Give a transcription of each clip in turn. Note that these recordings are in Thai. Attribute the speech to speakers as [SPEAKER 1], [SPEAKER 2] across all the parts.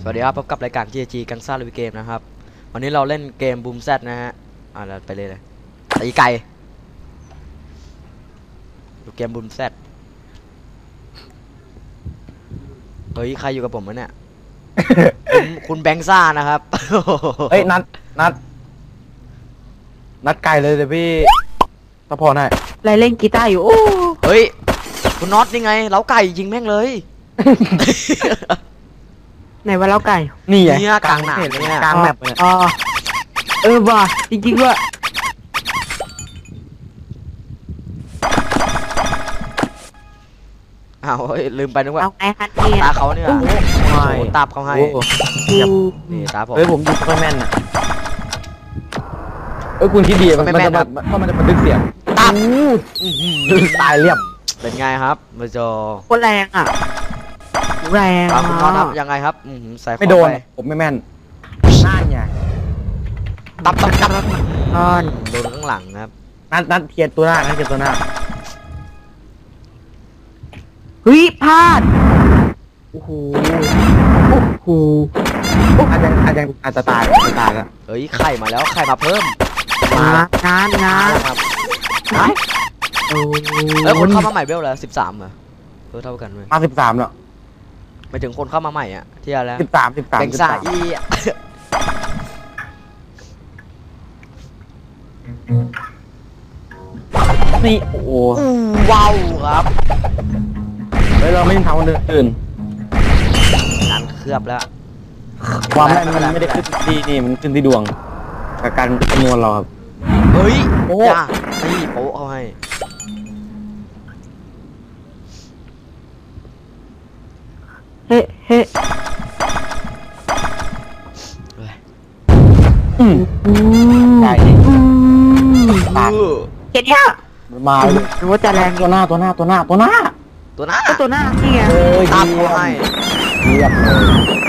[SPEAKER 1] สวัสดีครับพบกับรายการ GG กังซ่าลุยเกมนะครับวันนี้เราเล่นเกมบูมแซดนะฮะเราไปเลยตีไก่ดูเกมบูมแซดเฮ้ยใครอยู่กับผมวะเนี่ย คุณแบงค์ซ่านะครับ
[SPEAKER 2] เฮ้ยนัดไก่เลยเดี๋ยวพี่ตะพอหน่อย
[SPEAKER 3] อะไรเล่นกีตาร์อยู่โอ้
[SPEAKER 1] เฮ้ยคุณน็อตนี่ไงเล้าไก่ยิงแม่งเลย
[SPEAKER 3] ไหนว่าเล้าไก่
[SPEAKER 2] นี่ไง
[SPEAKER 1] เนี่ยกลางหนามเนี่ย
[SPEAKER 2] กลางแมปเนี่ย
[SPEAKER 3] อ๋อว่ะจริงๆว่า
[SPEAKER 1] อ้าวเฮ้ยลืมไปนึกว่า
[SPEAKER 3] เอาไงฮันเนี่ย
[SPEAKER 1] ตาเขาเนี่ยโอ้โหตาบเขาให้
[SPEAKER 2] โอ้โห
[SPEAKER 1] นี่ตาผม
[SPEAKER 2] เฮ้ยผมยิงไม่แม่นอ่ะคุณคิดดีมันจะบันทึกเสียง
[SPEAKER 1] ตาบ
[SPEAKER 2] ตายเรียบ
[SPEAKER 1] เป็นไงครับมาจอ
[SPEAKER 3] โคตรแรงอ่ะแรง
[SPEAKER 1] ตามคุณน็อตครับยังไงครับใส่ของ
[SPEAKER 2] ไม่โดน
[SPEAKER 1] ไป
[SPEAKER 2] ผมไม่แม่นน่าไง
[SPEAKER 1] ตับ
[SPEAKER 3] นอน
[SPEAKER 1] โดนข้างหลังครับ
[SPEAKER 2] นัดเทียนตัวหน้านัดเทียนตัวหน้า
[SPEAKER 3] เฮ้ยพลาดโอ้โหโอ้โห
[SPEAKER 2] อาจจะตายแล้ว
[SPEAKER 1] เฮ้ยไข่มาแล้วไข่มาเพิ่ม
[SPEAKER 3] งาน
[SPEAKER 1] ครับ
[SPEAKER 3] โอ้
[SPEAKER 1] แล้วคนเข้ามาใหม่เบลแล้ว13เหรอเท่ากันไหม
[SPEAKER 2] มา13แล้ว
[SPEAKER 1] ไปถึงคนเข้ามาใหม่อ่ะที่อะไรแล้ว
[SPEAKER 2] 13
[SPEAKER 1] แบงซ่าอี
[SPEAKER 2] นี่โอ้โห
[SPEAKER 1] ว้าวครับ
[SPEAKER 2] เฮ้ยเราไม่ทำคนอื่น
[SPEAKER 1] นั้นเคลือบแล้ว
[SPEAKER 2] ความแม่นมันไม่ได้ขึ้นที่นี่มันขึ้นที่ดวงกับการคำนวณเราครับ
[SPEAKER 1] เฮ้ย
[SPEAKER 2] โอ้
[SPEAKER 1] จ้านี่โป๊ะเขาให้
[SPEAKER 3] เฮ้เฮ้
[SPEAKER 2] ใช่
[SPEAKER 3] ปากเห็นเนี่ย
[SPEAKER 2] มาเลย
[SPEAKER 3] หรือว่าจะแรง
[SPEAKER 2] ตัวหน้า
[SPEAKER 1] ตัวหน้า
[SPEAKER 3] ก็ตัวหน้านี่ไง
[SPEAKER 1] ตามเขาให้
[SPEAKER 2] เรียบเลย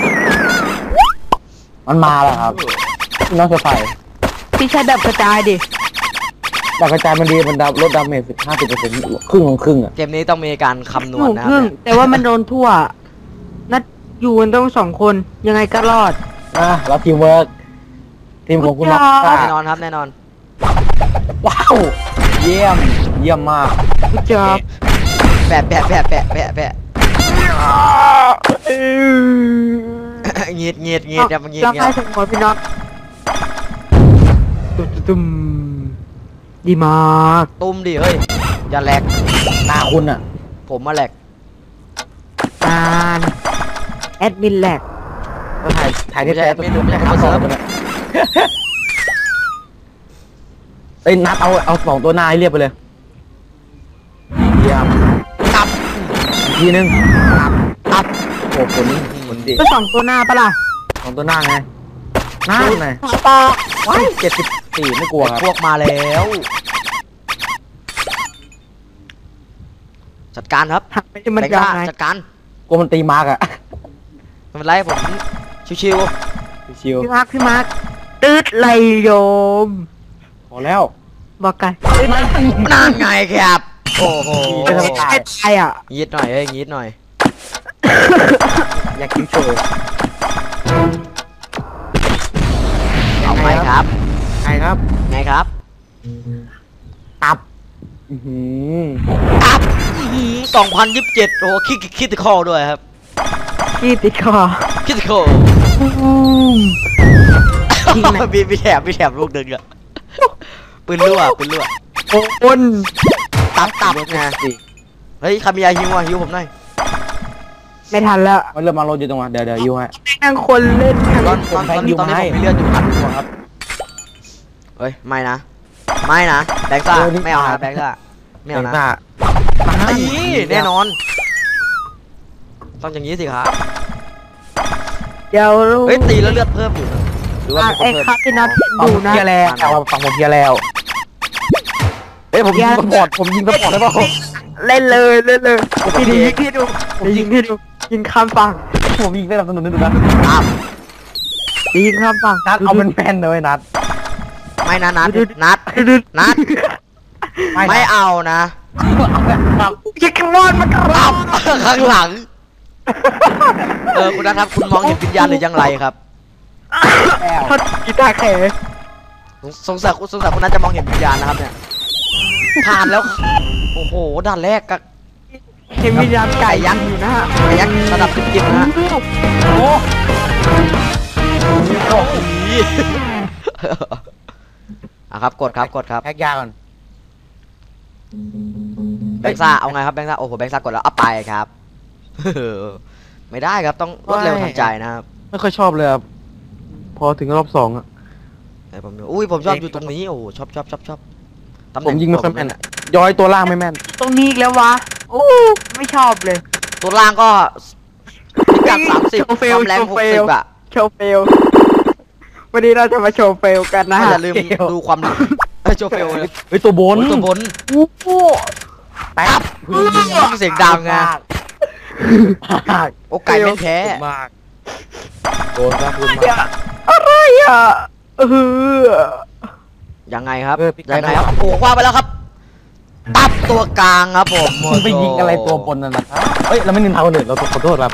[SPEAKER 2] มันมาแล้วครับน้องเซอร์ไพรส์
[SPEAKER 3] พี่ใช้แบบกระจายดิ
[SPEAKER 2] ดาวกระจายมันดีมันลดดาเมจ50%ครึ่งของครึ่งอ่ะ
[SPEAKER 1] เกมนี้ต้องมีการคำนวณนะค
[SPEAKER 3] ค
[SPEAKER 1] รั
[SPEAKER 3] รึ่
[SPEAKER 1] บ
[SPEAKER 3] งแต่ว่ามันโดนทั่วนัดอยู่กันต้อง2 คนยังไงก็รอด
[SPEAKER 2] แล้วทีมเวิร์กทีมของคุณน็อก
[SPEAKER 1] แน่นอนครับแน่นอน
[SPEAKER 2] ว้าวเยี่ยมมาก
[SPEAKER 3] กูจอบ
[SPEAKER 1] แปะเงียดครับเงียด
[SPEAKER 3] ลองให้ถึงหัวพี่น็อตตุ้มดีมาก
[SPEAKER 1] ตุ้มดิเฮ้ยอย่าแหลก
[SPEAKER 2] หน้าคุณอ่ะ
[SPEAKER 1] ผมมาแหลก
[SPEAKER 3] การแอดมินแหลก
[SPEAKER 2] ก็ถ่ายที่แท้
[SPEAKER 1] ไม่ใช่เขาเซิร์ฟ
[SPEAKER 2] เอ้ยนัดเอา2ตัวหน้าให้เรียบไปเลยเยี่ยม
[SPEAKER 1] ตับ
[SPEAKER 2] อีกทีนึงตับโอ้ผลดี
[SPEAKER 3] ก็2 ตัวหน้าปะล่ะ
[SPEAKER 2] 2ตัวหน้าไงหน้าไง
[SPEAKER 3] ปอ
[SPEAKER 2] ว้าย74ไม่กลัวครับ
[SPEAKER 1] พวกมาแล้วจัดการครับ
[SPEAKER 3] หักไปที่มัน
[SPEAKER 1] แบงค์
[SPEAKER 3] ยา
[SPEAKER 1] ซ่าว
[SPEAKER 3] ไง
[SPEAKER 1] จัดการ
[SPEAKER 2] กลัวมันตีมาร์กอะ
[SPEAKER 1] ไม่เป็นไรผมชิว
[SPEAKER 2] ชิว
[SPEAKER 3] พี่มาร์คตืดไหลโยม
[SPEAKER 2] พอแล้ว
[SPEAKER 3] บอกกัน
[SPEAKER 1] ๆนั่นไงครับโอ้โห
[SPEAKER 2] ไม่ธรรมดา
[SPEAKER 3] ไม่ตายอ่ะ
[SPEAKER 1] งีดหน่อยเฮ้ยงีดหน่อย
[SPEAKER 2] อยากกินโชว์
[SPEAKER 1] เอาไหมครับ
[SPEAKER 2] ใครครับ
[SPEAKER 1] ไงครับ
[SPEAKER 2] ตับอื้อหือ
[SPEAKER 1] ตับ2027โอ้คิดคอด้วยครับ
[SPEAKER 3] ขี้ติดคอ
[SPEAKER 1] คิดคอ
[SPEAKER 3] จริงไหม
[SPEAKER 1] มีแถบลูกหนึ่งอะปืนรั่ว
[SPEAKER 3] โอน
[SPEAKER 1] ตับไงเฮ้ยใครมียาฮิวอ่ะฮิวผมหน่อย
[SPEAKER 3] ไม่ทันแล้ว
[SPEAKER 2] มันเริ่มมาโรยอยู่ตรงนั้นเดี๋ยวยูให้
[SPEAKER 3] นั่งคนเล่น
[SPEAKER 1] ตอนนี้ผมมีเลือดอยู่1,000 ตัวครับเฮ้ยไม่นะแบงค์ซ่าไม่เอานะแบงค์ซ่าไม่เอานะ
[SPEAKER 2] หน้า
[SPEAKER 1] แน่นอนต้องอย่างนี้สิครับ
[SPEAKER 3] เดี๋ยว
[SPEAKER 1] เฮ้ยตีแล้วเลือดเพิ่มอยู่นะหรือว่ามีคน
[SPEAKER 3] ไอ้
[SPEAKER 1] เพิ่ม
[SPEAKER 3] ครับพี่นัท
[SPEAKER 2] ฟัง
[SPEAKER 3] ดู
[SPEAKER 2] ผม
[SPEAKER 3] นะ
[SPEAKER 2] เพียร์แล้วฟังผมเพียร์แล้วเอ้ยผมยิงสปอร์ตได้ป่ะ
[SPEAKER 3] เล่นเลยพี่ยิงให้ดูยิงข้ามฝั่ง
[SPEAKER 2] ผมยิงได้สนับสนุนดูนะ
[SPEAKER 1] ครับ
[SPEAKER 3] ยิงข้ามฝั่ง
[SPEAKER 2] นัดเอาเป็นแฟนเลยนัด
[SPEAKER 1] ไม่นะนัดไม่เอานะ
[SPEAKER 3] ยิงขมอนมันกระ
[SPEAKER 1] ตับข้างหลังคุณนัทครับคุณมองเห็นวิญญาณหรือยังไรครับ
[SPEAKER 3] ทอดกีตาร์แขก
[SPEAKER 1] สงสัยคุณนัทจะมองเห็นวิญญาณนะครับเนี่ยผ่านแล้วโอ้โหด่านแรกกับ
[SPEAKER 3] เห็นวิญญาณไก่ยักษ์อยู่นะฮะ
[SPEAKER 1] ไอ้ยักษ์ระดับจิบๆนะฮะ
[SPEAKER 2] โอ้
[SPEAKER 1] โอ้โหอ่ะครับกดครับ
[SPEAKER 2] แฮกยาก่อน
[SPEAKER 1] แบงค์ซ่าเอาไงครับแบงค์ซ่าโอ้โหแบงค์ซ่ากดแล้วเอาไปครับ ไม่ได้ครับต้องรวดเร็วทันใจนะครับ
[SPEAKER 2] ไม่ค่อยชอบเลยครับพอถึงรอบ2อ่ะ
[SPEAKER 1] แต่ผมผมชอบอยู่ตรงนี้โอ้โหชอบตำแห
[SPEAKER 2] ผ
[SPEAKER 1] น่
[SPEAKER 2] มยิงไม่ค่อยแม่นอะย้อยตัวล่างไม่แม่น
[SPEAKER 3] ตรงนี้อีกแล้ววะโอ้ไม่ชอบเลย
[SPEAKER 1] ตัวล่างก็พิกัด30
[SPEAKER 3] โชว์เฟ
[SPEAKER 1] ค
[SPEAKER 3] ล
[SPEAKER 1] วามแรง
[SPEAKER 3] โชว์เฟล
[SPEAKER 1] 60อ่ะ
[SPEAKER 3] โชว์เฟลวันนี้เราจะมาโชว์เฟลกันนะฮะ
[SPEAKER 1] อย่าลืมดูความโชว์เฟลเลย
[SPEAKER 2] เฮ้ยตัวบน
[SPEAKER 1] โอ้ยตัวบน
[SPEAKER 3] โอ้โห
[SPEAKER 2] แป๊บ
[SPEAKER 1] เสียงดังไง
[SPEAKER 2] มาก
[SPEAKER 1] โอ้ไก่แม่งแท้
[SPEAKER 2] มากโดนครับคุณมาก
[SPEAKER 3] อะไรอ่ะ
[SPEAKER 1] ยังไงครับ
[SPEAKER 2] พิกัด
[SPEAKER 1] ยังไงครับโอ้คว้าไปแล้วครับตับตัวกลางครับผม
[SPEAKER 2] มึงไปยิงอะไรตัวบนนั่นนะครับเฮ้ยเราไม่นินทาคนอื่นเราขอโทษครับ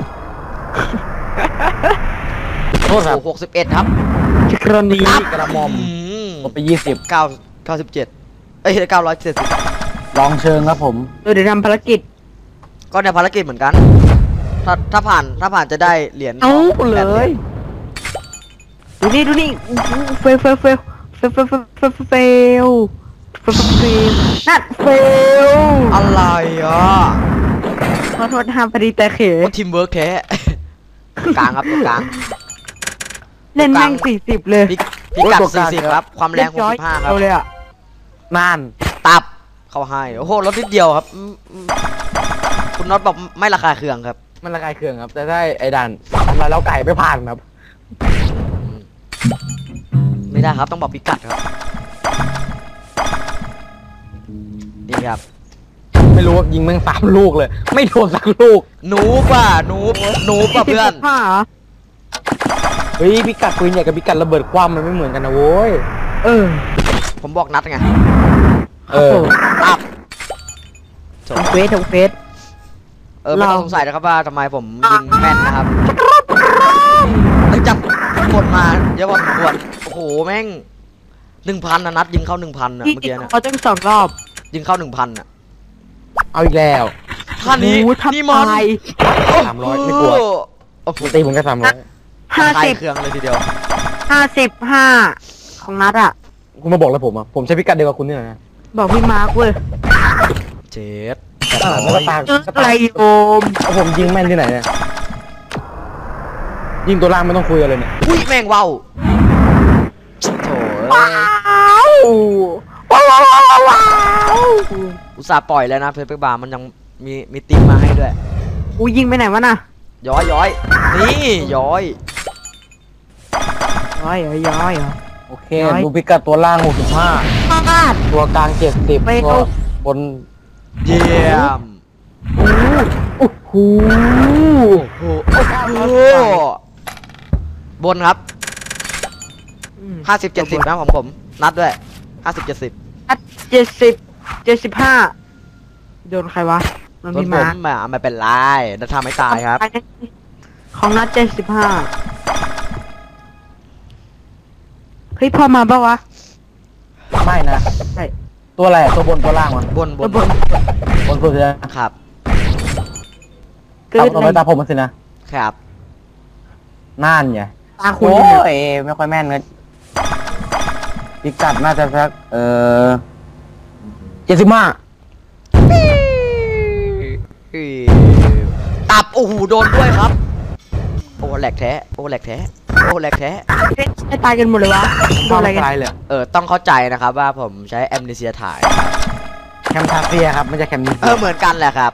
[SPEAKER 2] ขอโทษครับ
[SPEAKER 1] โอ้61ครับ
[SPEAKER 3] ชิครนี
[SPEAKER 2] กระหม่อม ลดไป
[SPEAKER 1] 97เอ้ย970
[SPEAKER 2] ลองเชิงครับผม
[SPEAKER 3] เดี๋ยวทำภารกิจ
[SPEAKER 1] ก็ในภารกิจเหมือนกัน ถ้าผ่านจะได้เหรียญ
[SPEAKER 3] เอา
[SPEAKER 1] 8 ห
[SPEAKER 3] เล
[SPEAKER 1] รีญ
[SPEAKER 3] ยดูนี่เฟลนั่นเฟล
[SPEAKER 1] อะไรอ่ะ
[SPEAKER 3] ขอโทษทำพอดีแต่เข
[SPEAKER 1] ทีมเวิร์กแท้ กลางครับตัวกลาง
[SPEAKER 3] เล่นแม่ง40เลย
[SPEAKER 1] พิกัด40ครับความแรง65ครับ
[SPEAKER 3] เอาเลยอ่ะ
[SPEAKER 2] น่าน
[SPEAKER 1] ตับเข้าให้โอ้โหรถนิดเดียวครับคุณน็อตบอกไม่ระคายเคืองครับ
[SPEAKER 2] มันระกายเคืองครับ แต่ได้ไอ้ด่านทำลายแล้วไก่ไม่ผ่านครับ
[SPEAKER 1] ไม่ได้ครับต้องบอกพิกัดครับนี่ครับ
[SPEAKER 2] ไม่รู้ว่ายิงแม่ง3 ลูกเลย ไม่โดนสักลูก
[SPEAKER 1] หนูป่ะหนูป่ะเพื่อน
[SPEAKER 3] ผ้าเหรอ
[SPEAKER 2] เฮ้ยพิกัดปืนใหญ่กับพิกัดระเบิดคว่ำมันไม่เหมือนกันนะโว้ย
[SPEAKER 1] ผมบอกนัดไง
[SPEAKER 2] เออ
[SPEAKER 1] ตับจบ
[SPEAKER 3] ทำเฟส
[SPEAKER 1] ไม่ต้องสงสัยนะครับว่าทำไมผมยิงแม่นนะครับหลังจากกดมาเยอะพอสมควรโอ้โหแม่ง 1,000นะนัดยิงเข้า 1,000นะ
[SPEAKER 3] ที่
[SPEAKER 1] เมื่อกี้นะ
[SPEAKER 3] เขาต้อง2 รอบ
[SPEAKER 1] ยิงเข้า 1,000นะ
[SPEAKER 2] เอาอีกแล้ว
[SPEAKER 1] ท่านี้
[SPEAKER 3] โอ้โห
[SPEAKER 1] นี่มัน
[SPEAKER 3] ทำลาย
[SPEAKER 2] 300ไม่กลัว
[SPEAKER 1] โอ้โห
[SPEAKER 2] ตีผมแค่300
[SPEAKER 1] คลายเครื่องเลยทีเดียว
[SPEAKER 3] 55ของนัดอ่ะ
[SPEAKER 2] คุณมาบอกแล้วผมอ่ะผมใช้พิกัดเดียวกับคุณนี่แหละนะ
[SPEAKER 3] บอกพี่มาร์คเว้ย
[SPEAKER 1] เจ็ด
[SPEAKER 2] แล้วก็ตาม
[SPEAKER 3] อะไรโอม
[SPEAKER 2] แล้วผมยิงแม่นที่ไหนเนี่ยยิงตัวล่างไม่ต้องคุยกันเลยเนี่ย
[SPEAKER 1] อุ้ยแม่งว้าวโถ่
[SPEAKER 3] ว้าว
[SPEAKER 1] อุตส่าห์ปล่อยแล้วนะเพชรบาร์มันยังมีติ๊กมาให้ด้วย
[SPEAKER 3] กูยิงไปไหนวะน่ะ
[SPEAKER 1] ย้อยนี่ย้อย
[SPEAKER 3] ย้อยเหรอ
[SPEAKER 2] โอเคดูพิกัดตัวล่าง65
[SPEAKER 3] พลาด
[SPEAKER 2] ตัวกลาง70
[SPEAKER 3] ไป
[SPEAKER 2] ตัว
[SPEAKER 3] เอา
[SPEAKER 2] บน
[SPEAKER 1] เยี่ยม
[SPEAKER 3] โอ้โห
[SPEAKER 1] โอ้โหบนครับ50-70นะของผมนัดด้วย50-70
[SPEAKER 3] นัด75โดนใครวะโดน
[SPEAKER 1] ส่วน
[SPEAKER 3] พี่
[SPEAKER 1] ผ
[SPEAKER 3] มาร์ค
[SPEAKER 1] มไม่เป็นไรนัดทำไม่ตายครับ
[SPEAKER 3] ของนัด75เฮ้ยพอมาปะวะ
[SPEAKER 2] ไม่นะ
[SPEAKER 3] ใช่
[SPEAKER 2] ตัวอะไรอะตัวบนตัวล่างวะ
[SPEAKER 1] บน
[SPEAKER 3] บน
[SPEAKER 2] บนสุดเลยนะครับ
[SPEAKER 3] เกิ
[SPEAKER 2] ตา
[SPEAKER 3] ด
[SPEAKER 2] ต่อไปตาผมมันสินะครับ น่านไง
[SPEAKER 3] ตาคุณ
[SPEAKER 2] โอ้
[SPEAKER 3] เนี่ย
[SPEAKER 2] ยไม่ค่อยแม่นเลยพิกัดน่าจะสัก75
[SPEAKER 1] ตับโอ้โหโดนด้วยครับโอ้แหลกแท้
[SPEAKER 3] ไม่ตายกันหมดเลยวะโดนอะไรกัน
[SPEAKER 2] ตายเลย
[SPEAKER 1] ต้องเข้าใจนะครับว่าผมใช้แอมเนเซียถ่าย
[SPEAKER 2] แคมทาเซียครับไม่ใช่แคมนิเซีย
[SPEAKER 1] เหมือนกันแหละครับ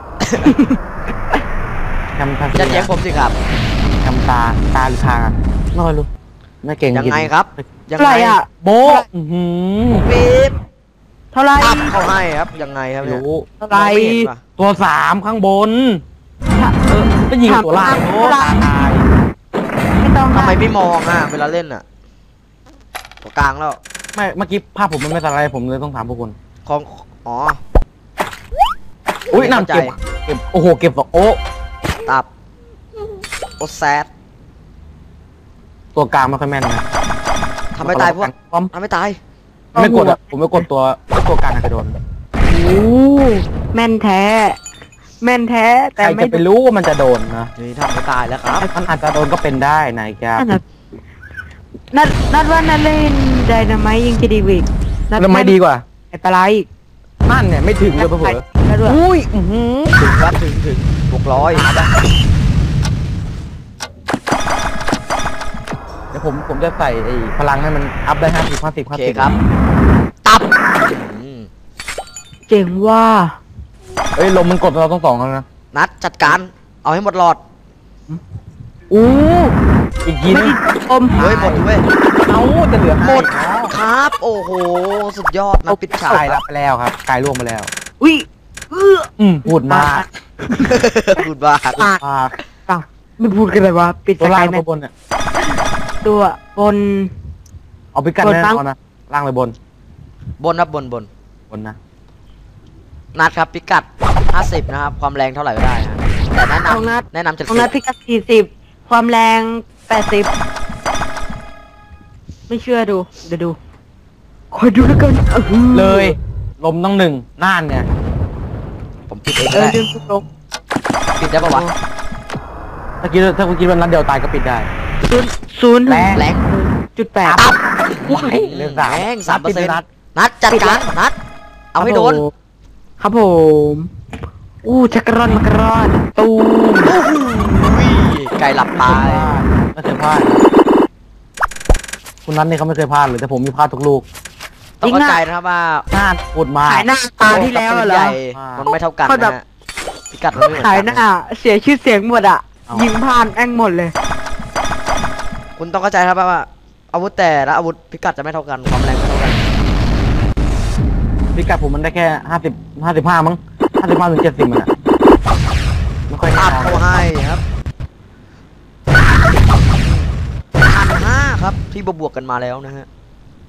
[SPEAKER 2] แคมทาเซี
[SPEAKER 1] จะเถียงผมสิครับ
[SPEAKER 2] แคมตาหรือทางอะน้อยรู้ไม่เก่ง
[SPEAKER 1] ยังไงครับ ยัง
[SPEAKER 3] เท่าไห
[SPEAKER 1] ไง
[SPEAKER 3] ร่อ่ะ
[SPEAKER 2] โบ
[SPEAKER 1] ปี๊บ
[SPEAKER 3] เท่าไหร่
[SPEAKER 1] ตับเขาให้ครับยังไงครับเนี่ย
[SPEAKER 2] รู้
[SPEAKER 3] เท่าไหร่
[SPEAKER 1] มองไม่เห็นปะ
[SPEAKER 2] ตัว3ข้างบนก็ยิงตัวล่างโอ้ตาย
[SPEAKER 3] ไม่ต้อง
[SPEAKER 1] ทำไมไม่มองอ่ะเวลาเล่นอ่ะตัวกลางแล้ว
[SPEAKER 2] ไม่เมื่อกี้ภาพผมมันไม่สไลด์ผมเลยต้องถามพวกคุณ
[SPEAKER 1] ของอ๋อ
[SPEAKER 2] อุ้ย
[SPEAKER 1] ไม่
[SPEAKER 2] นั่น
[SPEAKER 1] เข้าใจ
[SPEAKER 2] เก็บโอ้โหเก็บ2โอ้
[SPEAKER 1] ตับโอแซด
[SPEAKER 2] ตัวกลางไม่ค่อยแม่นนะ
[SPEAKER 1] ทำไม่ตายพวก
[SPEAKER 2] ป้อม
[SPEAKER 1] ทำไม่ตาย
[SPEAKER 2] ไม่กดอะผมไม่กดตัวกลางอาจจะโดน
[SPEAKER 3] โอ้แม่นแท้ แม่นแท้
[SPEAKER 2] ใค
[SPEAKER 3] แต่
[SPEAKER 2] ร
[SPEAKER 3] ไม่
[SPEAKER 2] จะไปรู้ว่ามันจะโดนนะ
[SPEAKER 1] นี่ทำไม่ตายแล้วครับ
[SPEAKER 2] มันอาจจะโดนก็เป็นได้นายครับ
[SPEAKER 3] นั่นน่ะนัดว่านัดเล่นไดนาไมต์ยิงจะดีกว่าอีกนัด
[SPEAKER 2] แล้วไม่ดีกว่า
[SPEAKER 3] ไอ้ปลาไหลอีก
[SPEAKER 2] นั่นเนี่ยไม่ถึงเลยเผลอ
[SPEAKER 3] แล้วด้วย
[SPEAKER 2] อุ้ยอื้อหือ
[SPEAKER 1] ถึงครับถึง600
[SPEAKER 2] เดี๋ยวผมจะใส่ไอ้พลังให้มันอัพได้50 50
[SPEAKER 1] โอเคครับ ตับอืม
[SPEAKER 3] เจ๋งว่า
[SPEAKER 2] เอ้ยลมมันกดเราต้องสองแล้วนะ
[SPEAKER 1] นัดจัดการ เอาให้หมดหลอด
[SPEAKER 3] อู้
[SPEAKER 2] อีกที
[SPEAKER 3] ไม่
[SPEAKER 2] นึง
[SPEAKER 3] ได้ชม
[SPEAKER 1] เฮ้ยหมดเว้ย
[SPEAKER 2] เอาจะเหลือ
[SPEAKER 1] หมด
[SPEAKER 2] ให้อ๋อ
[SPEAKER 1] ครับ โอ้โห สุดยอดนัดปิดฉาก
[SPEAKER 2] กายรับไปแล้วครับกายล่วงไปแล้ว
[SPEAKER 3] อุ้ยอื้อ
[SPEAKER 2] พูดมาก
[SPEAKER 1] พูดบ้า
[SPEAKER 3] ปาก
[SPEAKER 2] มาก
[SPEAKER 3] เปล่าไม่พูดกันเลยวะปิด
[SPEAKER 2] ตัว
[SPEAKER 3] ส
[SPEAKER 2] ล่าก
[SPEAKER 3] าง ยแม
[SPEAKER 2] ตัวน บนเนี่ย
[SPEAKER 3] ตัวบน
[SPEAKER 2] เอาไปกัน
[SPEAKER 3] บน
[SPEAKER 2] แน่
[SPEAKER 3] บ้าง
[SPEAKER 2] นอนนะล่างเลยบน
[SPEAKER 1] บนครับบน
[SPEAKER 2] บนนะ
[SPEAKER 1] นัดครับพิกัด 50 นะครับ ความแรงเท่าไหร่ก็ได้ฮะแต่แนะ
[SPEAKER 3] ของนัด
[SPEAKER 1] นำแนะนำจะ
[SPEAKER 3] ของนัดพิกัด40 ความแรง80 ไม่เชื่อดู เดี๋ยวดู คอยดูแล้วกันอื้อหือ
[SPEAKER 2] เลย ลมต้อง1น่านเนี่ย
[SPEAKER 1] ผมปิดเอง
[SPEAKER 3] เอ
[SPEAKER 1] ก็
[SPEAKER 3] อ
[SPEAKER 1] ได้
[SPEAKER 3] ดึงทุกลง
[SPEAKER 1] ปิดได้ปะวะ
[SPEAKER 2] ถ้าคุณคิดว่านัดเดียวตายก็ปิดได้
[SPEAKER 3] ศูนย์
[SPEAKER 2] แรง
[SPEAKER 1] แรง
[SPEAKER 3] จุดแปด
[SPEAKER 1] ตับ
[SPEAKER 2] เรื่องสาม
[SPEAKER 1] แรง
[SPEAKER 2] นัดปิดเลยนัด
[SPEAKER 1] 3%นัดจัดการนัด เอาให้โดน
[SPEAKER 3] ครับผมอู้ชักกะร่อนมักกะร่อนตูม
[SPEAKER 1] ไก่หลับตาย
[SPEAKER 2] ไม่เคยพลาดคุณนัทนี่เขาไม่เคยพลาดเลยแต่ผมมีพลาดทุกลูก
[SPEAKER 1] ต้องเข้าใจนะครับว่า
[SPEAKER 2] น่านพูดมาก
[SPEAKER 3] ขายหน้าตาที่แล้วอะเหร
[SPEAKER 1] ให
[SPEAKER 3] อ
[SPEAKER 1] ญ่มันไม่เท่ากัน
[SPEAKER 3] เขาแบ
[SPEAKER 1] นะ
[SPEAKER 3] บ
[SPEAKER 1] ฮะพิกัดมันไม่เหมือน
[SPEAKER 3] ขาย
[SPEAKER 1] กัน
[SPEAKER 3] หน้าเสียชื่อเสียงหมดอ่ะ ยิงผ่านแองหมดเลย
[SPEAKER 1] คุณต้องเข้าใจครับว่า อาวุธแต่ละอาวุธพิกัดจะไม่เท่ากัน ความแรงไม่เท่ากัน
[SPEAKER 2] พิกัดผมมันได้แค่55มั้ง55ถึง70มันอะไม่ค่อย
[SPEAKER 1] ตั
[SPEAKER 2] น่า
[SPEAKER 1] ดเขาให้ครับ1,500ครับ ที่บวกๆกันมาแล้วนะฮะ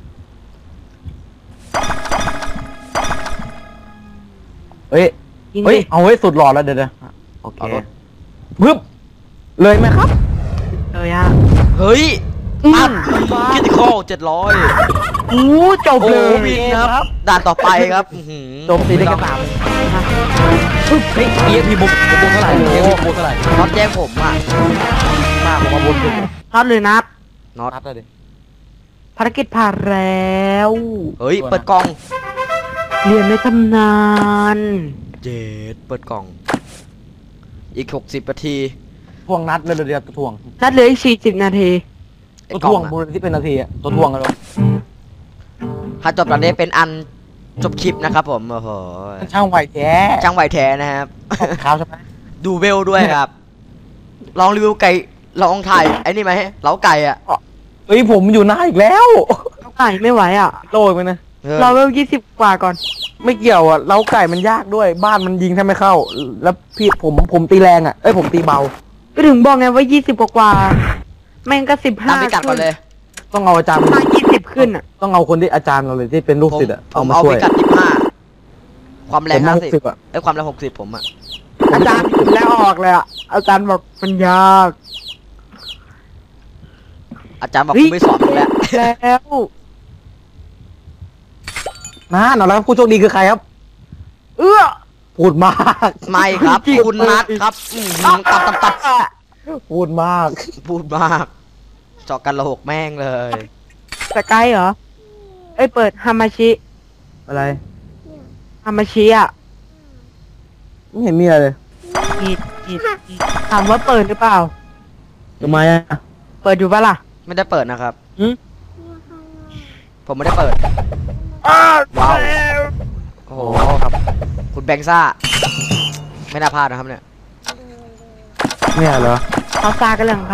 [SPEAKER 2] เอ้ย
[SPEAKER 3] ยิง
[SPEAKER 2] เฮ้ย
[SPEAKER 3] ดิ
[SPEAKER 2] เอาไว้สุดหลอดแล้วเดี๋ยวโอเค
[SPEAKER 1] เอารถ
[SPEAKER 2] ปึ๊บเลยไหมครับ
[SPEAKER 3] เลยอ่ะ
[SPEAKER 1] เฮ้ย
[SPEAKER 3] อื
[SPEAKER 1] ตัด
[SPEAKER 3] ม
[SPEAKER 1] คิติคอล700
[SPEAKER 3] อู้จบ
[SPEAKER 1] โอ้
[SPEAKER 3] เล
[SPEAKER 1] โห
[SPEAKER 3] ย
[SPEAKER 1] วินครับ ด่านต่อไปครับอื้อหือ
[SPEAKER 2] โจมตีได้แค่3เฮ้ย EXP บุกเท่าไหร่ EXP บุกเท่าไหร่
[SPEAKER 1] น็อตแจ้งผมอ่ะ
[SPEAKER 2] มากผมมาบนสุด
[SPEAKER 3] น็อตเลยนับ
[SPEAKER 1] น็อต
[SPEAKER 2] นัดเลยดิ
[SPEAKER 3] ภารกิจผ่านแล้ว
[SPEAKER 1] เฮ้ย เปิดกล่อง
[SPEAKER 3] เรียนในตำนาน
[SPEAKER 1] เจ็ดเปิดกล่อง อีก60 นาที
[SPEAKER 2] ทวงนัดเลยเดี๋ยวตัวทวง
[SPEAKER 3] นัดเหลืออีก40 นาที
[SPEAKER 1] ไอ้
[SPEAKER 2] ตัว
[SPEAKER 1] กล่
[SPEAKER 2] ท
[SPEAKER 1] อ
[SPEAKER 2] วง
[SPEAKER 1] งอะ
[SPEAKER 2] บูรณที่เป็นนาทีอะตัวทวงกันเลย
[SPEAKER 1] ถ้าจบตอนนี้เป็นอันจบคลิปนะครับผม โอ้โห
[SPEAKER 2] ช่างไหวแท้
[SPEAKER 1] จ้างไหวแท้นะครับ
[SPEAKER 2] ขาวใช่ไหม
[SPEAKER 1] ดูเวลด้วยครับ ลองรีวิวไก่ลองถ่ายไอ้นี่ไหมเล้าไก่อะ
[SPEAKER 2] เอ้ยผมอยู่หน้าอีกแล้ว
[SPEAKER 3] เอาไก่ไม่ไหวอ่ะ
[SPEAKER 2] โลยไปนะ
[SPEAKER 3] เราเวล20 กว่าก่อน
[SPEAKER 2] ไม่เกี่ยวอ่ะเล้าไก่มันยากด้วย บ้านมันยิงแทบไม่เข้า แล้วพี่ผมตีแรงอ่ะ เอ้ยผมตีเบา
[SPEAKER 3] ก็ถึงบอกไงว่า20 กว่าแม่งก็
[SPEAKER 1] ตามพิกัด
[SPEAKER 3] 15
[SPEAKER 1] ก่อนเลย
[SPEAKER 2] ต้องเอาอาจารย์
[SPEAKER 3] ถ้า20 ขึ้นอ่ะ
[SPEAKER 2] ต้องเอาคนที่อาจารย์เราเลยที่เป็นลูกศิษย์อ่ะ
[SPEAKER 1] ผ
[SPEAKER 2] เอา
[SPEAKER 1] ม
[SPEAKER 2] มา
[SPEAKER 1] เอา
[SPEAKER 2] ช่ว
[SPEAKER 1] พิ
[SPEAKER 2] ย
[SPEAKER 1] กัด15ความแรง
[SPEAKER 2] ผมเอา
[SPEAKER 1] 50
[SPEAKER 2] 60อ่ะ
[SPEAKER 1] ไอ้ยความแรง60ผมอะ
[SPEAKER 3] อาจารย์แล้วออกเลยอ่ะ อาจารย์บอกมันยาก
[SPEAKER 1] อาจารย์บอก
[SPEAKER 3] เฮ้
[SPEAKER 1] กู
[SPEAKER 3] ย
[SPEAKER 1] ไม่สอนมึงแล้ว
[SPEAKER 3] แล้ว
[SPEAKER 2] นั่นเอาแล้วผู้โชคดีคือใครครับ
[SPEAKER 3] เอื้อ
[SPEAKER 2] พูดมาก
[SPEAKER 1] ไม่ครับ
[SPEAKER 3] จริง
[SPEAKER 1] คุณนัดครับตับ
[SPEAKER 2] พูดมาก
[SPEAKER 1] พูดมากเจาะกันระหกแม่งเลย
[SPEAKER 3] สกายเหรอ เอ้ยเปิดฮามาชิ
[SPEAKER 2] อะไร
[SPEAKER 3] ฮามาชิอ่ะ
[SPEAKER 2] ไม่เห็นมีอะไรเลย
[SPEAKER 3] อีดถามว่าเปิดหรือเปล่า
[SPEAKER 2] ทำไมอ่ะ
[SPEAKER 3] เปิดอยู่ปะล่ะ
[SPEAKER 1] ไม่ได้เปิดนะครับ
[SPEAKER 2] หืม
[SPEAKER 1] ผมไม่ได้เปิด ว้าว โอ้โห
[SPEAKER 2] ครับ
[SPEAKER 1] คุณแบงซ่า ไม่น่าพลาดนะครับเนี่ย
[SPEAKER 2] เนี่ยเหรอ
[SPEAKER 3] เขาซากันเรื่องของเขา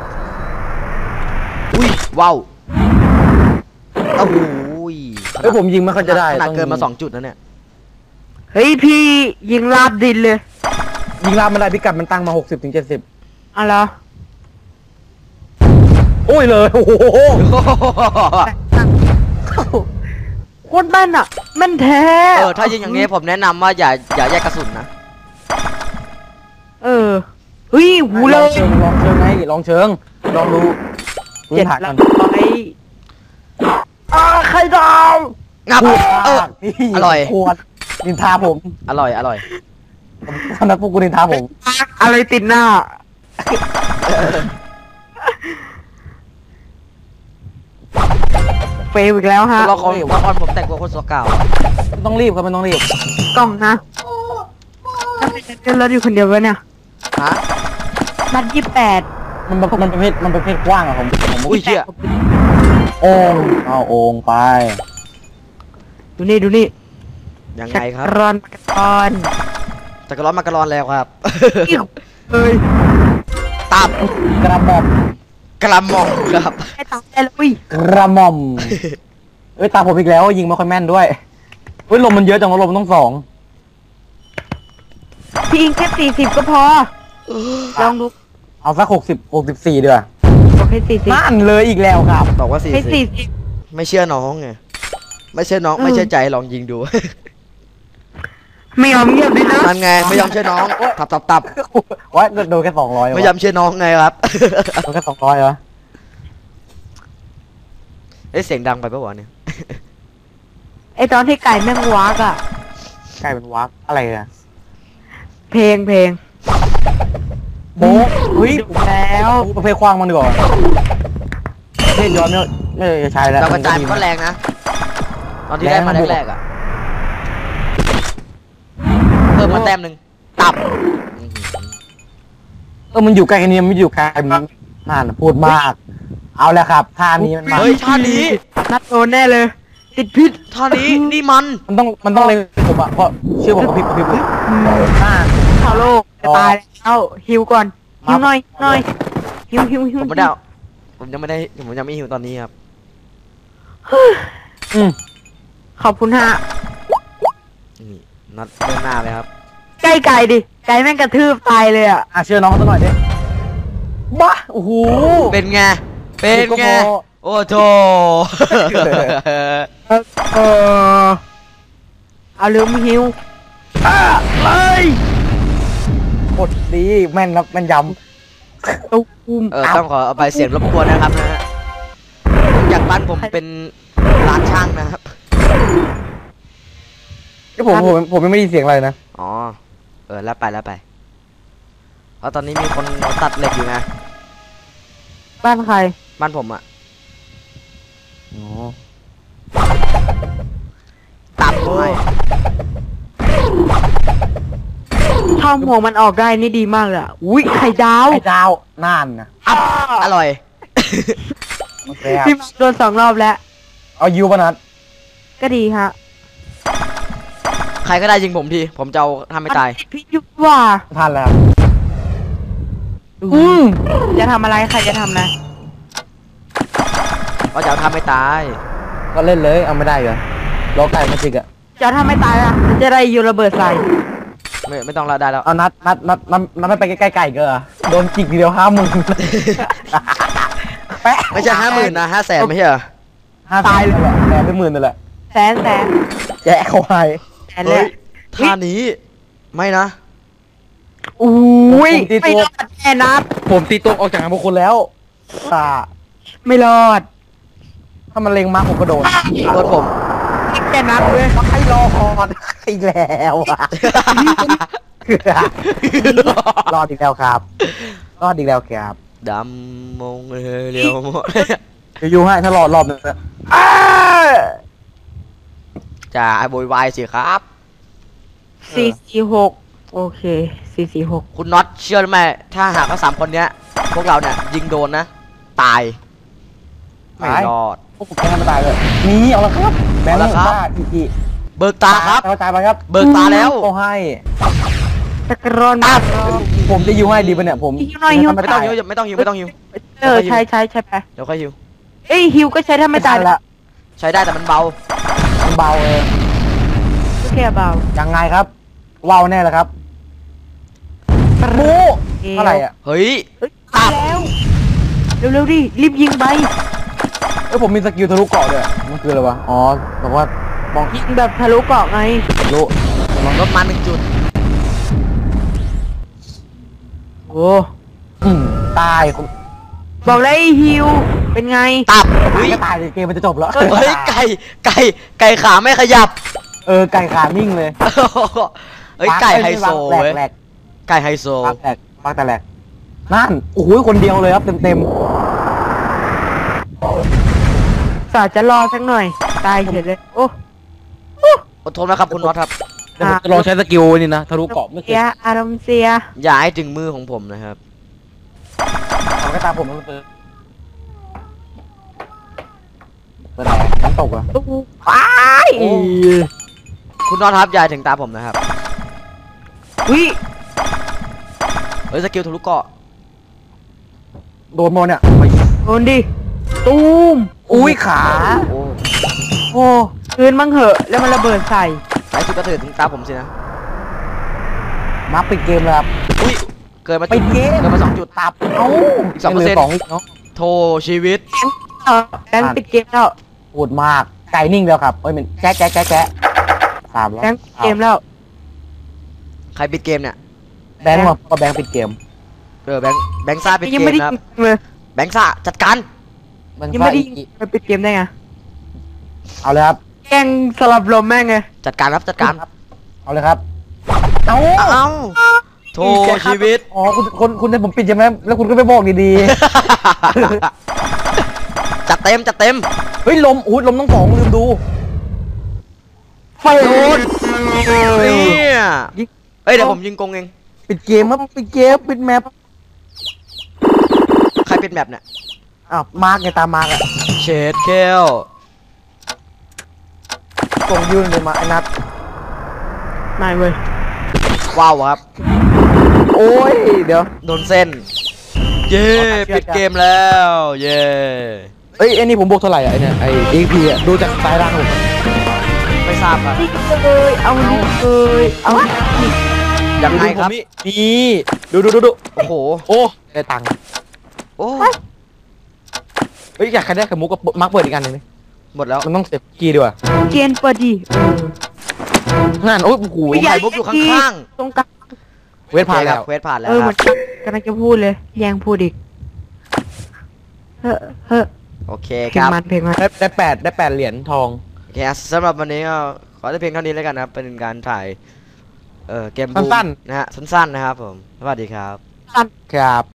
[SPEAKER 1] อุ้ย ว้าวโอ้โห
[SPEAKER 2] เอ้ยผมยิงไม่ค่อยจะได้
[SPEAKER 1] ขนาด
[SPEAKER 2] ต้อง
[SPEAKER 1] เกินมา2 จุดแล้วเนี่ย
[SPEAKER 3] เฮ้ยพี่ยิงลาบดินเลย
[SPEAKER 2] ยิงลามไม่ได้พิกัดมันตั้งมา60ถึง70
[SPEAKER 3] เอาเหรอ
[SPEAKER 2] โอ้ยเลยโอ้โห
[SPEAKER 3] โคตรแม่นอ่ะแม่นแท้
[SPEAKER 1] เออ ถ้ายิงอย่างนี้ผมแนะนำว่าอย่าแยกกระสุนนะ
[SPEAKER 3] เออเฮ้ยหูเล
[SPEAKER 2] ลอง
[SPEAKER 3] ย
[SPEAKER 2] เชิงไงลองเชิงลองดูพื้น
[SPEAKER 3] 700
[SPEAKER 2] ฐานก่อน ไข่ดาว
[SPEAKER 1] งับ
[SPEAKER 2] พูด
[SPEAKER 1] เออ
[SPEAKER 2] มากนี่
[SPEAKER 1] อร่อย
[SPEAKER 2] ขวดนินทาผม
[SPEAKER 1] อร่อยอร่อย
[SPEAKER 2] ตอนนั้นพวกกูนินทาผม
[SPEAKER 3] อะไรติดหน้า เฟลอีกแล้วฮะ
[SPEAKER 1] ละครผมแต่งตัวคนสัวเก่า
[SPEAKER 2] ไม่ต้องรีบครับไม่ต้องรีบ
[SPEAKER 3] กล่องนะทำไมฉันเดินรถอยู่คนเดียววะเนี่ย
[SPEAKER 1] ฮะ
[SPEAKER 3] นัด28
[SPEAKER 2] มันประเภทกว้างอะผม
[SPEAKER 1] อุ้ยเชี่ย
[SPEAKER 2] โอ่งเอาโอ่งไป
[SPEAKER 3] ดูนี่
[SPEAKER 1] ยังไงครับ
[SPEAKER 3] รอนก่อน
[SPEAKER 1] จักรร้อนมากระร้อนแล้วครับ
[SPEAKER 3] เอ้ย
[SPEAKER 1] ตับ
[SPEAKER 2] กระหม่อม
[SPEAKER 1] กระหม่อมครับ
[SPEAKER 3] ให้ตายได้แล้วอุ้ย
[SPEAKER 2] กระหม่อมเอ้ยตามผมอีกแล้วยิงไม่ค่อยแม่นด้วยเฮ้ยลมมันเยอะจังวะลมมันต้อง2
[SPEAKER 3] พี่อิงแค่40ก็พอ ลองดู
[SPEAKER 2] เอาสัก64ดีกว่า
[SPEAKER 3] บอกให้40
[SPEAKER 2] นั่นเลยอีกแล้วครับ
[SPEAKER 1] บอกว่าสี่
[SPEAKER 3] ให้
[SPEAKER 1] สิบ
[SPEAKER 3] 40
[SPEAKER 1] ไม่เชื่อน้องไงไม่เชื่อน้องไม่เชื่อใจลองยิงดู
[SPEAKER 3] ไม่ยอมเงียบด้วยนะ
[SPEAKER 1] นั่นไงไม่ยอมเชื่อน้องตับ
[SPEAKER 2] ว่าโดนแค่200
[SPEAKER 1] ไม่ยอมเชื่อน้องไงครับ
[SPEAKER 2] โดนแค่200เหรอ
[SPEAKER 1] เอ๊ะเสียงดังไปปะวะเนี่ย
[SPEAKER 3] ไอตอนที่ไก่แม่งวักอะ
[SPEAKER 2] กลายเป็นวักอะไรอะ
[SPEAKER 3] เพลง
[SPEAKER 2] โบ๊ะเฮ้ย
[SPEAKER 3] ดูแล้ว
[SPEAKER 2] ประเภทคว้างมันดีกว่าประเภทย้อนไม่ใช่แล้ว
[SPEAKER 1] เรากระจายมันก็แรงนะ ตอนที่ได้มาแรกๆอ่ะเพิ่มมาแต้มหนึ่งตับ
[SPEAKER 2] มันอยู่ใกล้กันนี้มันไม่อยู่ไกลมันนั่นพูดมาก เอาแล้วครับท่านี้มันมา
[SPEAKER 1] เฮ้ยท่านี้
[SPEAKER 3] นัดโดนแน่เลย ติดพิษ
[SPEAKER 1] ท่านี้นี่มัน
[SPEAKER 2] มันต้องเล็งผมอะเพราะเชื่อผมกับพี่น่า
[SPEAKER 3] ข่าวโลกจะตายแล้วฮิวก่อน
[SPEAKER 2] ครั
[SPEAKER 3] ฮิ
[SPEAKER 2] บ
[SPEAKER 3] วหน่อยฮิว
[SPEAKER 1] ผมไม่ได้เอาผมยังไม่หิวตอนนี้ครับ
[SPEAKER 2] อืม
[SPEAKER 3] ขอบคุณฮะ
[SPEAKER 1] นี่นัดเรื่องหน้าเลยครับ
[SPEAKER 3] ใกล้ไก่ดิ ไก่แม่งกระทืบตายเลยอ่ะ
[SPEAKER 2] เชื่อน้องเขาสักหน่อยดิบ้าโอ้โห
[SPEAKER 1] เป็นไง เป็นไง โอ้โถ
[SPEAKER 3] เออเอาลืมฮิว
[SPEAKER 2] เลยกดดีแม่นครับแม่นย
[SPEAKER 3] ตุ้ม
[SPEAKER 1] ต้องขอเอาไปเสียงรบกวนนะครับนะฮะจากบ้านผมเป็นร้านช่างนะครับ
[SPEAKER 2] ำที่ผมยังไม่ได้ยินเสียงอะไรนะ
[SPEAKER 1] อ๋อ แล้วไปเพราะตอนนี้มีคนตัดเหล็กอยู่นะ
[SPEAKER 3] บ้านใคร
[SPEAKER 1] บ้านผมอะ
[SPEAKER 2] อ๋อ
[SPEAKER 1] ตับด้วย
[SPEAKER 3] ถ้าหัวมันออกได้นี่ดีมากเลยอ่ะ อุ้ยไข่ดาว
[SPEAKER 2] ไอ้ดาวน่านนะ
[SPEAKER 1] อร่อย
[SPEAKER 2] โอเคครับ
[SPEAKER 3] พี่โดน2 รอบแล้ว
[SPEAKER 2] เอายูปะนัด
[SPEAKER 3] ก็ดีฮะ
[SPEAKER 1] ใครก็ได้ยิงผมที ผมจะเอาทำให้ตาย
[SPEAKER 3] มันติดพิษอยู่ว่า
[SPEAKER 2] ทันแล้ว
[SPEAKER 3] จะทำอะไรใครจะทำนะ
[SPEAKER 1] ก็จะเอาทำให้ตาย
[SPEAKER 2] ก็เล่นเลยเอาไม่ได้เหรอรอไก่มาจิกอะ
[SPEAKER 3] จะทำไม่ตายอ่ะมันจะได้โยนระเบิดใส่
[SPEAKER 1] ไม่ต้องละได้แล้ว
[SPEAKER 2] เอานัดไม่ไปใกล้ๆไก่ก็เหรอโดนจิกทีเดียว50,000แปะ
[SPEAKER 1] ไม่ใช่50,000นะ500,000ไม่ใช่เหรอ
[SPEAKER 2] ตายเลยแหละแต่เป็น10,000นั่นแหละ
[SPEAKER 3] แสน
[SPEAKER 2] แจกเขาไป
[SPEAKER 3] แสนเลย
[SPEAKER 1] ท่านี้ไม่นะ
[SPEAKER 3] อุ้ยไม่รอดแน่นัด
[SPEAKER 2] ผมตีตัวออกจากงานพวกคุณแล้วค่ะ
[SPEAKER 3] ไม่รอด
[SPEAKER 2] ถ้ามันเล็งมาผมก็โดน
[SPEAKER 1] โดนผม
[SPEAKER 3] แค่นัดเลย
[SPEAKER 2] ให้รอดอีกแล้วอะรอดอีกแล้วครับรอดอีกแล้วครับ
[SPEAKER 1] ดำมงเรียวหมด
[SPEAKER 2] อยู่ให้ถ้ารอดรอบนึงนะ
[SPEAKER 1] จะโวยวายสิครับ
[SPEAKER 3] 446โอเค446
[SPEAKER 1] คุณน็อตเชื่อไหมถ้าหากว่า3 คนเนี้ย พวกเราเนี่ยยิงโดนนะ ตาย ไม่รอด
[SPEAKER 2] พวกผมแพ้ไม่ตายเลยนี่เอาละครับแบงค์
[SPEAKER 1] เอาละครับ
[SPEAKER 2] บ้าอี
[SPEAKER 1] เบิกตาครับ
[SPEAKER 2] เข้าใจไปครับ
[SPEAKER 1] เบิกตาแล้ว
[SPEAKER 2] ก็ให้
[SPEAKER 3] ตะกรอนมาก
[SPEAKER 2] ผมจะยิวให้ดีปะเนี่ยผม
[SPEAKER 3] ฮิวหน่อยฮิว
[SPEAKER 1] ไม่ต้องหิวไม่ต้องหิวไม่ต้องหิว
[SPEAKER 3] ใช้ไป
[SPEAKER 1] เดี๋ยวค่อยหิว
[SPEAKER 3] เอ้ยฮิวก็ใช้ถ้าไม่ตาย
[SPEAKER 2] ละ
[SPEAKER 1] ใช้ได้แต่มันเบา
[SPEAKER 2] มันเบาเอง
[SPEAKER 3] ก็แค่เบา
[SPEAKER 2] ยังไงครับว้าวแน่เลยครับบูเท่าไหร่อ่ะ
[SPEAKER 1] เฮ้ย
[SPEAKER 3] เอ้ยตายแล้วเร็วๆดิรีบยิงไป
[SPEAKER 2] เอ้ยผมมีสกิลทะลุเกาะด้วยมันคืออะไรวะอ๋อบอกว่าป้อง
[SPEAKER 3] ยิงแบบทะลุเกาะไง
[SPEAKER 2] ทะลุ
[SPEAKER 1] ลดมา1 จุด
[SPEAKER 2] โอ้
[SPEAKER 3] โอ้
[SPEAKER 2] ตายคน
[SPEAKER 3] บอกเลยฮิวเป็นไง
[SPEAKER 1] ตับ
[SPEAKER 2] ตา
[SPEAKER 1] เฮ้
[SPEAKER 2] ย
[SPEAKER 1] ย
[SPEAKER 2] ก็ตายเลยเกมมันจะจบแล้ว
[SPEAKER 1] เฮ้ยไก่ขาไม่ขยับ
[SPEAKER 2] ไก่ขานิ่งเลย
[SPEAKER 1] เฮ้ยไก่ไฮโซ
[SPEAKER 2] แหลก
[SPEAKER 1] เว้ย
[SPEAKER 2] แหลก
[SPEAKER 1] ไก่ไฮโซ
[SPEAKER 2] ปักแหลกปักแต่แหลกนั่นโอ้โหคนเดียวเลยครับเต็ม
[SPEAKER 3] สาจะรอสักหน่อย ตายเฉยเลยโอ้
[SPEAKER 1] อดทนนะครับคุณน็อตครับ
[SPEAKER 2] ๆเดี๋ยวผมจะลองใช้สกิลนี่นะทะลุเกาะไม่เค
[SPEAKER 3] เสี
[SPEAKER 2] ย
[SPEAKER 3] ยอารมณ์เสีย
[SPEAKER 1] อย่าให้ถึงมือของผมนะครับ
[SPEAKER 2] ทำก็ตามผมมันเปิดอะไรน้ำตกอ่ะ
[SPEAKER 3] โอ้ว้าย
[SPEAKER 1] โอ้ คุณน็อตครับอย่าให้ถึงตาผมนะครับ
[SPEAKER 3] วิ
[SPEAKER 1] เฮ้ยสกิลทะลุเกาะ
[SPEAKER 2] โดนโมเนี่ย
[SPEAKER 3] โดนดิตูม
[SPEAKER 2] อุ้ยขา
[SPEAKER 1] โอ้
[SPEAKER 3] โอ้คืนมั่งเหอะแล้วมันระเบิดใส่
[SPEAKER 1] ไอ้สุดก็ถึงตาผมสินะ
[SPEAKER 2] มาปิดเกมเลยครับ
[SPEAKER 1] อุ้ยเกินมา
[SPEAKER 2] ปิดเกม
[SPEAKER 1] เกินมา2 จุด
[SPEAKER 2] ตับเอ้า
[SPEAKER 1] อีก2%
[SPEAKER 2] เหลือ2อีกเนาะ
[SPEAKER 1] โทชีวิต
[SPEAKER 3] แบงค์ปิดเกมแล้ว
[SPEAKER 2] โหดมากไก่นิ่งแล้วครับเอ้ยมันแจ๊ะแจ๊ะแจ๊ะแจ๊ะสามแล้ว
[SPEAKER 3] แบงค์ปิดเกมแล้ว
[SPEAKER 1] ใครปิดเกมเนี่ย
[SPEAKER 2] แบงค์มาก็แบงค์ปิดเกม
[SPEAKER 1] แบงค์ซ่าปิด
[SPEAKER 3] ยัง
[SPEAKER 1] เก
[SPEAKER 3] ไม่
[SPEAKER 1] ม
[SPEAKER 3] ได้
[SPEAKER 1] นะครับ
[SPEAKER 3] ยิงเลย
[SPEAKER 1] แบงค์ซ่าจัดการ
[SPEAKER 2] แบงค์
[SPEAKER 3] ยังไม่ได้
[SPEAKER 2] ซ่า
[SPEAKER 3] ยิงไปปิดเกมได้ไง
[SPEAKER 2] เอาเลยครับ
[SPEAKER 3] แกล้งสลับลมแม่งไง
[SPEAKER 1] จัดการครับจัดการ
[SPEAKER 2] เอาเลยครับเอ้า
[SPEAKER 1] เอ้าโทชีวิต
[SPEAKER 2] อ๋อคุณให้ผมปิดใช่ไหมแล้วคุณก็ไม่บอกดี
[SPEAKER 1] จัดเต็มจัดเต็ม
[SPEAKER 2] ๆ เฮ้ยลมอุ้ยลมต้องสองลืมดู
[SPEAKER 3] ไฟโดน
[SPEAKER 1] เนี่ยเอ้ยเดี๋ยวผมยิงกงเอง
[SPEAKER 2] ปิดเกมครับปิดเกมปิดแมป
[SPEAKER 1] ใครปิดแมปเนี่ย
[SPEAKER 2] อ้าวมาร์กไงตามมาร์กอะ
[SPEAKER 1] เชดเคล
[SPEAKER 2] ส่งยืนเลยมาไอ้นัท
[SPEAKER 3] ไม่เว้ย
[SPEAKER 1] ว้าวครับ
[SPEAKER 2] โอ้ยเดี๋ยว
[SPEAKER 1] โดนเส้น เย้ปิดเกมแล้วเย้
[SPEAKER 2] เอ้ยไอ้นี่ผมบวกเท่าไหร่อะไอ้เนี่ยไอ้ EP อะดูจากสายร่างผม
[SPEAKER 1] ไม่ทราบครับ
[SPEAKER 3] นี่เลยเอานี่เลยเอานี่
[SPEAKER 1] ยังไงครับ
[SPEAKER 2] นี่ดู
[SPEAKER 1] โอ้โห
[SPEAKER 2] โอ้ได้ตังค์
[SPEAKER 1] โอ้
[SPEAKER 2] เฮ้ยอยากใครได้ไข่มุกก็มาร์กเปิดอีกอันหนึงดิ
[SPEAKER 1] หมดแล้ว
[SPEAKER 2] มันต้องเซฟกีย์ดีกว่า
[SPEAKER 3] เกณฑ์เปิดดิ
[SPEAKER 2] นั่นโอ้ยโอ้โห
[SPEAKER 1] ผมไข่มุกอยู่ข้าง
[SPEAKER 3] ตรงกลาง
[SPEAKER 2] เวทผ่านแล้ว
[SPEAKER 1] เควสผ่านแล้ว
[SPEAKER 3] เออ
[SPEAKER 1] ค
[SPEAKER 3] เหมื
[SPEAKER 1] รั
[SPEAKER 3] อบ นกำลังจะพูดเลย แย่งพูดอีกเฮ้อเฮ้อ
[SPEAKER 1] โอเค
[SPEAKER 3] เพล
[SPEAKER 1] ค
[SPEAKER 3] ง
[SPEAKER 1] รับ
[SPEAKER 3] มันเพลงมัน
[SPEAKER 2] ได้แปดเหรียญทอง
[SPEAKER 1] โอเคสำหรับวันนี้ก็ขอแต่เพียงเท่านี้แล้วกันนะครับ เป็นการถ่ายเกมบูม
[SPEAKER 2] สั้น
[SPEAKER 1] นะฮะสั้นๆนะครับผมสวัสดีครับ
[SPEAKER 2] ๆครับ